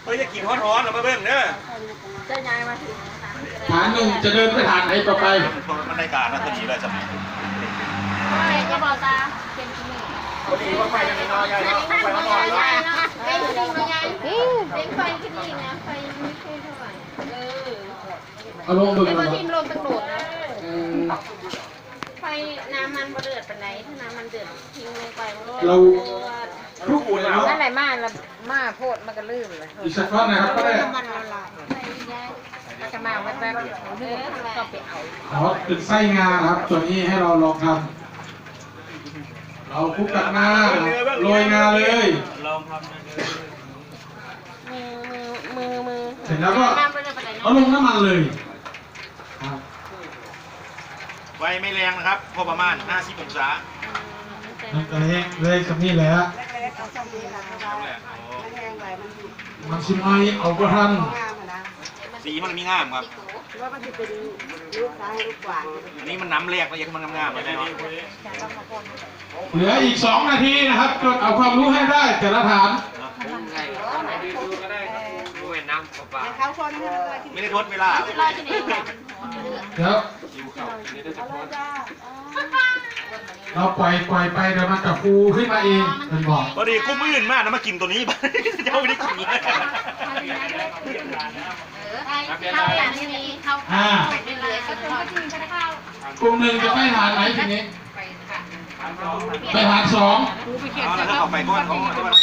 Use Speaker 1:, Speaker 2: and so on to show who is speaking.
Speaker 1: เฮ้ยจะกินร้อนๆเราไปเบิ่งเด้อ
Speaker 2: จะย้ายมาถึง
Speaker 3: ฐานหนึ่งจะเดินไปฐานไหนต่อไป
Speaker 1: มันในการนะพอดีเลยสมัย
Speaker 2: จะบอกตาเป็นที่นี่
Speaker 1: พอดีว่าไฟมันน้อยใหญ่เนาะไฟมันน้อย
Speaker 2: ใหญ่เนาะเป็นที่นี่มาใหญ่เป็นไฟที่นี่นะไฟไม่ค่อยเท่าไหร่
Speaker 3: เอาลงบึง
Speaker 2: ไอ้
Speaker 3: เล
Speaker 2: ตั
Speaker 3: ยว
Speaker 2: ทีมลมตั้งโดดนะไฟน้ำมันเดือดปานไหนถ้าน้ำมันเดือดทิ้งลงไปมันก็
Speaker 3: เราทุกคนเนาะ
Speaker 4: นั่นแหละมาละมาโพดมันก็ลืมเลย
Speaker 3: อีกสักก้อนนะครับก็ได้
Speaker 2: มันละลายไฟย้าย
Speaker 4: มันก็มาแว๊บๆลืมก็ไปเอา
Speaker 3: ขอเป็นไส้งาครับตัวนี้ให้เราลองทำเราคลุกกับงาโรยงาเลย
Speaker 1: ลองทำเลย
Speaker 2: มือ
Speaker 3: เสร็จแล้วก็
Speaker 2: น้ำมันเดือดปานไหน
Speaker 3: เอาลงน้ำมันเลยครับ
Speaker 1: ไฟไม่แรงนะครับพอประมาณ50องศา
Speaker 3: นั่นก็เลยกับนี่แหละ
Speaker 1: นั่นแหละ
Speaker 3: มันชิมไอเอาก็ทัน
Speaker 1: สีมันมีงามครับ
Speaker 5: ว่ามันจะเป็นลูกซ้ายลูกขวา
Speaker 1: อันนี้มันน้ำแรกแล้วยังมันงามๆเลยเนาะ
Speaker 3: เหลืออีก2 นาทีนะครับจดเอาความรู้ให้ได้แต่ละฐาน
Speaker 5: เขาคนให้เลย
Speaker 1: ไม่ได้ทดเวลาร
Speaker 2: อที่ไหน
Speaker 3: เดี๋ยวเราปล่อยไปเดี๋ยวมันจะฟูขึ้นมาเองเป็นบอก
Speaker 1: พอดีกุ้มอื่นมากนะมากินตัวนี้บ้างเจ้าไม่ได้กินเลย
Speaker 2: เข้าอย่างนี้เข้าไปเรื่อยๆก็คือว่าที่จะได้เข้าก
Speaker 3: ลุ่มหนึ่งจะไปฐานไหนทีนี้ไปฐาน2
Speaker 1: เอาแล้วถ้าเอาไปก้อนของที่มัน